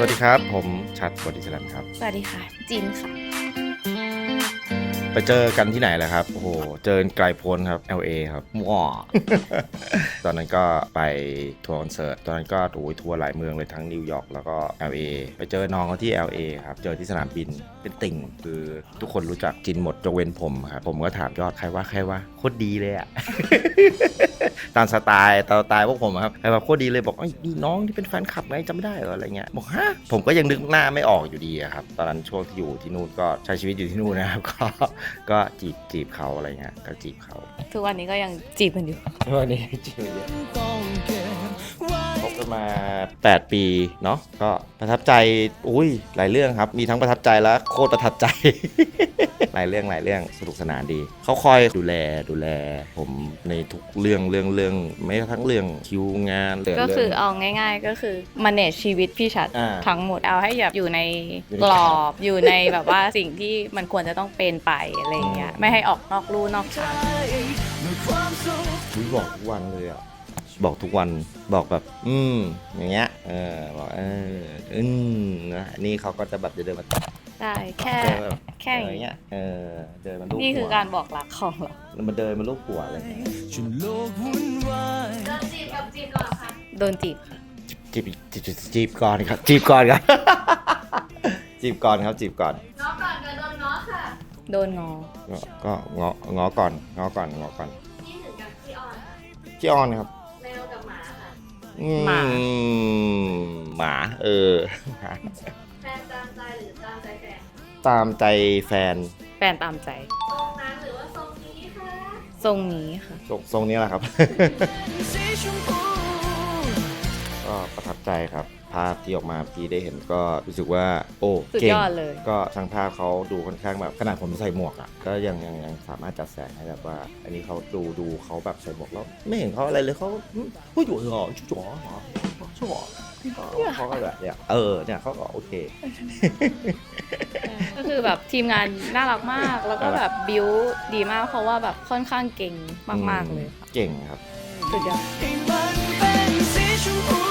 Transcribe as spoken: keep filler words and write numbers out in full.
วัสดีครับผมชัดบอดี้สแลมครับสวัสดีค่ะจินค่ะไปเจอกันที่ไหนแหละครับโอ้โหเจอไกลโพ้นครับ แอล เอ ครับว้า ตอนนั้นก็ไปทัวร์คอนเสิร์ตตอนนั้นก็โอ้ยทัวร์หลายเมืองเลยทั้งนิวยอร์กแล้วก็ แอล เอ ไปเจอน้องเขาที่ แอล เอ ครับเจอที่สนามบินเป็นติ่งคือทุกคนรู้จักจินหมดยกเว้นผมครับผมก็ถามยอดใครว่าใครว่าโคตรดีเลยอะ ตามสไตล์ตามสไตล์พวกผมครับใครว่าโคตรดีเลยบอกไอ้นี่น้องที่เป็นแฟนคลับไงจำไม่ได้เหรออะไรเงี้ยบอกฮะผมก็ยังนึกหน้าไม่ออกอยู่ดีครับตอนนั้นช่วงที่อยู่ที่นู่นก็ใช้ชีวิตอยู่ที่นู่นนะครับ ก็ก็จีบจีบเขาอะไรเงี้ยก็จีบเขาทุกวันนี้ก็ยังจีบกันอยู่วันนี้จีบเยอะคบกันมาแปดปีเนาะก็ประทับใจอุ้ยหลายเรื่องครับมีทั้งประทับใจและโคตรประทับใจ หลายเรื่องหลายเรื่องสนุกสนานดีเขาคอยดูแลดูแลผมในทุกเรื่องเรื่องเรื่องไม่ทั้งเรื่องคิวงานก็คือเอาง่ายๆก็คือ manage ชีวิตพี่ชัดทั้งหมดเอาให้แบบอยู่ในกรอบอยู่ในแบบว่าสิ่งที่มันควรจะต้องเป็นไปอะไรเงี้ยไม่ให้ออกนอกลู่นอกทางบอกทุกวันเลยอ่ะบอกทุกวันบอกแบบอืมอย่างเงี้ยเออบอกเอออืมนะนี่เขาก็จะแบบจะเดินมาได้แค่แค่อย่างเงี้ยเออเดินมาลูบหัวนี่คือการบอกรักของเรามันเดินมาลูบหัวอะไรโดนจีบกับจีบก่อนค่ะโดนจีบค่ะจีบจีบจีบก่อนครับจีบก่อนครับจีบก่อนครับจีบก่อนง้อก่อนกับโดนง้อค่ะโดนง้อก็ง้อง้อก่อนง้อก่อนง้อก่อนนี่ถึงกับพี่ออนค่ะพี่ออนครับแมวกับหมาค่ะหมาหมาเออแฟนตามใจหรือตามใจแฟนตามใจแฟนแฟนตามใจทรงนั้นหรือว่าทรงนี้คะทรงนี้ค่ะทรงทรงนี้แหละครับ ก็ประทับใจครับภาพที่ออกมาพี่ได้เห็นก็รู้สึกว่าโอ้สุดยอดเลยก็ช่างภาพเขาดูค่อนข้างแบบขนาดผมใส่หมวกอ่ะก็ยังยังยังสามารถจัดแสงให้แบบว่าอันนี้เขาดูดูเขาแบบใส่หมวกแล้วไม่เห็นเขาอะไรเลยเขาผู้หญิงเหรอชุดจ๋อเหรอชุดจ๋อเขาก็แบบเนี่ยเออเนี่ยเขาก็โอเคก็คือแบบทีมงานน่ารักมากแล้วก็แบบบิวดีมากเพราะว่าแบบค่อนข้างเก่งมากๆเลยเก่งครับสุดยอด